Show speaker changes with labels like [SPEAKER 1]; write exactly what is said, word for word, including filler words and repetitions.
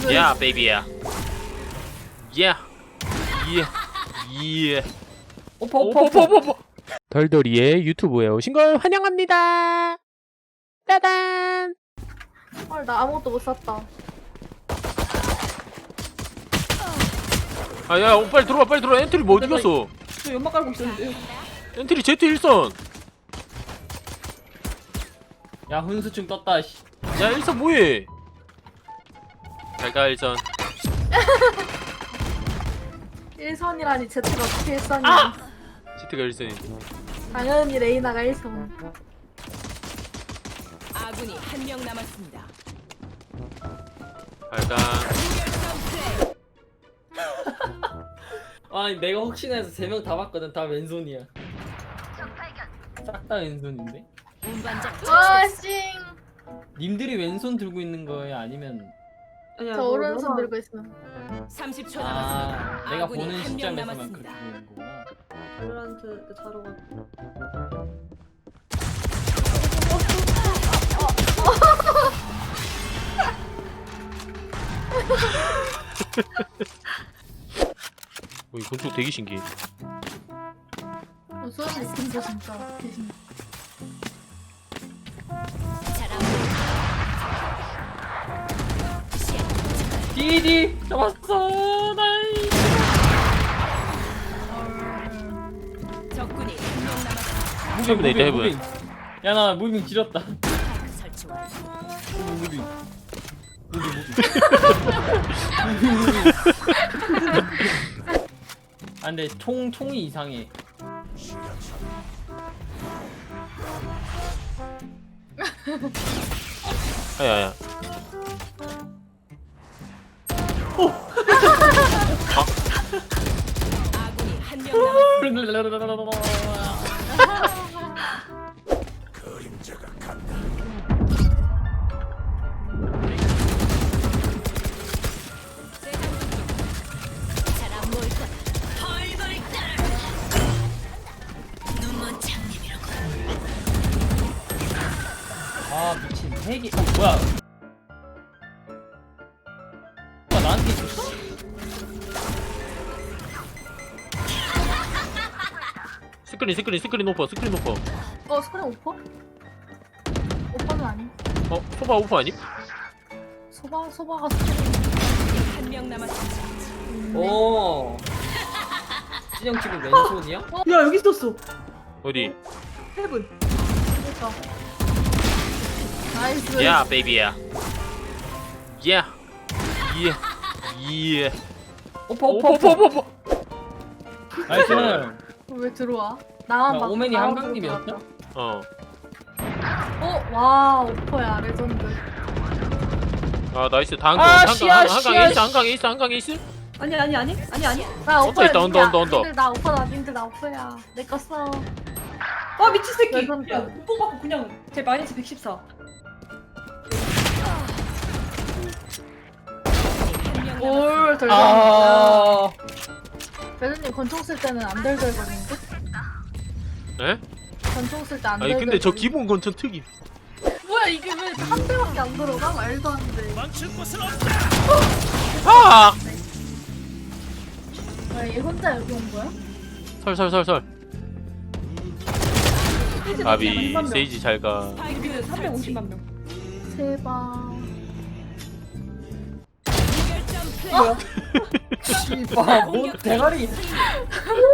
[SPEAKER 1] Yeah, baby야. Yeah. Yeah. Yeah.
[SPEAKER 2] 오빠 오빠 오빠 오빠.
[SPEAKER 1] 덜덜이의 유튜브에 오신 걸 환영합니다. 따단.
[SPEAKER 3] 헐, 나 아무것도 못 샀다.
[SPEAKER 1] 아, 야, 어, 빨리 들어와, 빨리 들어와. 엔트리 뭐 어디 갔어?
[SPEAKER 2] 저 연막 깔고 있었는데.
[SPEAKER 1] 엔트리 제트 일선.
[SPEAKER 2] 야 훈수증 떴다. 씨.
[SPEAKER 1] 야, 일선 뭐해? 잘가 일선.
[SPEAKER 3] 일선이라니 제트가 어떻게 일선이야?
[SPEAKER 2] 아!
[SPEAKER 1] 제트가 일선이.
[SPEAKER 3] 당연히 레이나가 일선.
[SPEAKER 4] 아군이 한 명 남았습니다.
[SPEAKER 1] 잘가.
[SPEAKER 2] 아니 내가 혹시나 해서 세 명 다 봤거든. 다 왼손이야. 싹 다 왼손인데?
[SPEAKER 4] 운반장
[SPEAKER 3] 와, 싱.
[SPEAKER 2] 님들이 왼손 들고 있는 거예요? 아니면
[SPEAKER 5] 아니야,
[SPEAKER 3] 저
[SPEAKER 5] 뭐,
[SPEAKER 3] 오른손
[SPEAKER 5] 너가-
[SPEAKER 3] 들고 있어.
[SPEAKER 4] 삼십 초
[SPEAKER 2] 아
[SPEAKER 4] 남았습니다.
[SPEAKER 2] 내가
[SPEAKER 4] 아군이
[SPEAKER 2] 보는
[SPEAKER 4] 한 명
[SPEAKER 2] 시점에서만
[SPEAKER 4] 남았습니다.
[SPEAKER 2] 그렇게 보는 거구나.
[SPEAKER 5] 롤란트 그 자료가
[SPEAKER 1] 어, 이 건축 되게 신기해.
[SPEAKER 3] 어, 소름 느낀다 진짜. 대신.
[SPEAKER 2] 디디 잡았어. 나이.
[SPEAKER 4] 적군이 한 명 남았습니다.
[SPEAKER 1] 무빙 있다, 해븐.
[SPEAKER 2] 야나 무빙 지렸다.
[SPEAKER 4] 파이크 설치 완료.
[SPEAKER 2] 무빙. 아 근데 총 총이 이상해.
[SPEAKER 1] 아야야.
[SPEAKER 4] 아군이 한 명 남았습니다. 잘안 보일 거다. 펄벌 따라. 눈먼 장님이라고.
[SPEAKER 2] 아 미친 핵이 어 뭐야? 아 나한테 있었어?
[SPEAKER 1] 스크린, 스크린, 스크린 오퍼, 스크린 오퍼.
[SPEAKER 3] 어, 스크린 오퍼? 오퍼는 아니.
[SPEAKER 1] 어, 소바 오퍼 아니?
[SPEAKER 3] 소바 소바가 스크린.
[SPEAKER 4] 한 명 남았습니다.
[SPEAKER 2] 오. 진영 지금 왼손이야?
[SPEAKER 5] 야 여기 있었어.
[SPEAKER 1] 어디?
[SPEAKER 5] 헤븐.
[SPEAKER 3] 그러니까. 나이스.
[SPEAKER 1] Yeah, baby야. Yeah. Yeah. Yeah.
[SPEAKER 2] 오빠
[SPEAKER 1] 오퍼,
[SPEAKER 2] 오빠
[SPEAKER 1] 오퍼,
[SPEAKER 2] 오빠.
[SPEAKER 1] 오퍼, 오퍼.
[SPEAKER 2] 나이스.
[SPEAKER 3] 왜 들어와? 나만
[SPEAKER 2] 야,
[SPEAKER 3] 막.
[SPEAKER 2] 오맨이
[SPEAKER 3] 나만
[SPEAKER 2] 한강님이었죠?
[SPEAKER 3] 들어왔다.
[SPEAKER 1] 어.
[SPEAKER 3] 어, 와, 오퍼야 레전드.
[SPEAKER 1] 아, 나이스. 다음 거.
[SPEAKER 2] 아,
[SPEAKER 1] 한강,
[SPEAKER 2] 씨야,
[SPEAKER 1] 한강, 한강
[SPEAKER 2] 씨야,
[SPEAKER 1] 에이스, 한강 에이스, 한강 에이스.
[SPEAKER 5] 아니 아니 아니 아니 아니.
[SPEAKER 3] 나
[SPEAKER 1] 언더
[SPEAKER 3] 오퍼야.
[SPEAKER 1] 있다, 언더, 언더, 언더.
[SPEAKER 3] 님들 나 오퍼다. 님들 나 오퍼야. 내 거 써.
[SPEAKER 5] 아 미친 새끼.
[SPEAKER 3] 레전드.
[SPEAKER 5] 야 오빠 받고 그냥 제 마이너스 백십사.
[SPEAKER 4] 한 명 남았습니다.
[SPEAKER 3] 올 덜덜.
[SPEAKER 2] 아.
[SPEAKER 3] 배드님 권총 쓸 때는 안 덜덜거리는데?
[SPEAKER 1] 에?
[SPEAKER 3] 권총 쓸 때 안
[SPEAKER 1] 아니,
[SPEAKER 3] 덜덜.
[SPEAKER 1] 근데 저 기본 건전 특이.
[SPEAKER 3] 뭐야 이게 왜 한 대밖에 안 들어가? 말도 안 돼.
[SPEAKER 1] 아!
[SPEAKER 3] 아, 얘 혼자 여기 온 거야?
[SPEAKER 1] 설, 설, 설, 설. 아비,
[SPEAKER 5] 삼만 명.
[SPEAKER 1] 세이지 잘 가.
[SPEAKER 4] 스파이크
[SPEAKER 5] 삼백오십만 명.
[SPEAKER 3] 제발.
[SPEAKER 4] 무결점 플레이.
[SPEAKER 2] 씨발 뭐 대가리.